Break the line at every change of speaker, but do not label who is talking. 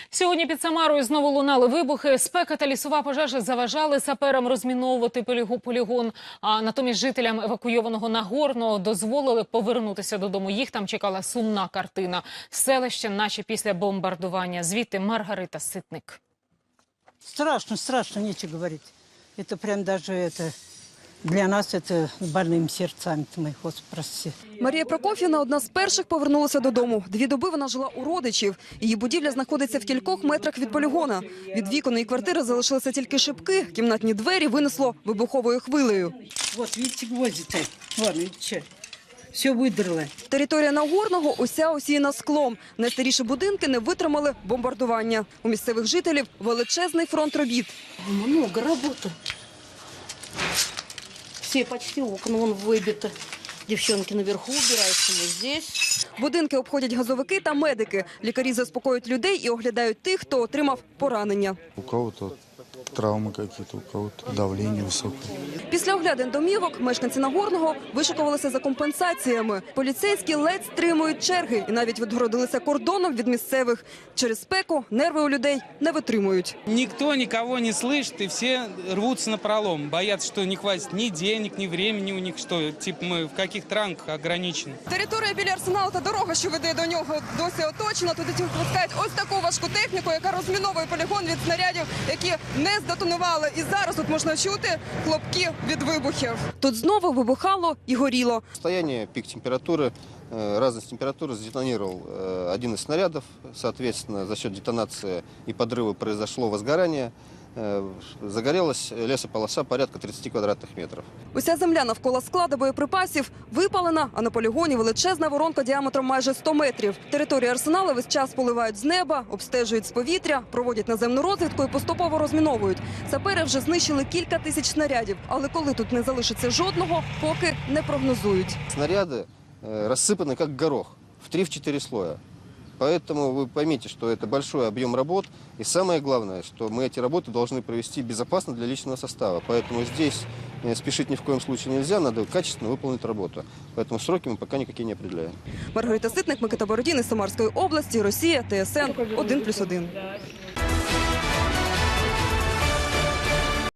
Сьогодні під Самарою знову лунали вибухи. Спека та лісова пожежа заважали саперам розміновувати полігон. А натомість жителям евакуйованого Нагорного дозволили повернутися додому. Їх там чекала сумна картина. Селище наче після бомбардування. Звідти Маргарита Ситник.
Страшно, нечего говорить. Это прям даже это... Для нас це больним серцем, мій Господи, прости.
Марія Прокоф'ївна одна з перших повернулася додому. 2 доби вона жила у родичів. Її будівля знаходиться в кількох метрах від полігона. Від вікон її квартири залишилися тільки шибки. Кімнатні двері винесло вибуховою хвилею.
Вот, видите, гвозди-то. Вон, видите, все видрало.
Територія Нагорного уся осіяна склом. Найстаріші будинки не витримали бомбардування. У місцевих жителів величезний фронт робіт.
Много работы. Все почти окна вон выбиты. Девчонки наверху убираются, мы здесь.
Будинки обходять газовики та медики. Лікарі заспокоюють людей і оглядають тих, хто отримав поранення.
У кого-то травмы какие-то, у кого-то давление высокое.
Після оглядин домівок мешканці Нагорного вишикувалися за компенсаціями. Поліцейські ледь стримують черги і навіть відгородилися кордоном від місцевих. Через спеку нерви у людей не витримують.
Никто никого не слышит, и все рвутся напролом. Боятся, что не хватит ни денег, ни времени у них, что типа мы в каких-то рамках ограничены.
Територія біля арсеналу та дорога, що веде до нього, досі оточена. Туди випускають ось таку важку техніку, яка розміновує полігон від снарядів, які не здетонували. І зараз тут можна чути хлопки від вибухів. Тут знову вибухало і горіло.
Состояние, пик температуры, разность температуры сдетонировал один из снарядов. Соответственно, за счет детонации и подрыва произошло возгорание. Загорелась лесополоса порядка 30 квадратных метров.
Уся земля навколо складу боєприпасів випалена, а на полігоні величезна воронка діаметром майже 100 метрів. Територію арсеналу весь час поливають з неба, обстежують з повітря, проводять наземну розвідку і поступово розміновують. Сапери вже знищили кілька тисяч снарядів, але коли тут не залишиться жодного, поки не прогнозують.
Снаряды рассыпаны как горох в 3-4 слоя. Поэтому вы поймите, что это большой объем работ. И самое главное, что мы эти работы должны провести безопасно для личного состава. Поэтому здесь спешить ни в коем случае нельзя, надо качественно выполнить работу. Поэтому сроки мы пока никакие не определяем.
Маргарита Ситник, Микита Бородін із Самарської області, Росія, ТСН 1+1.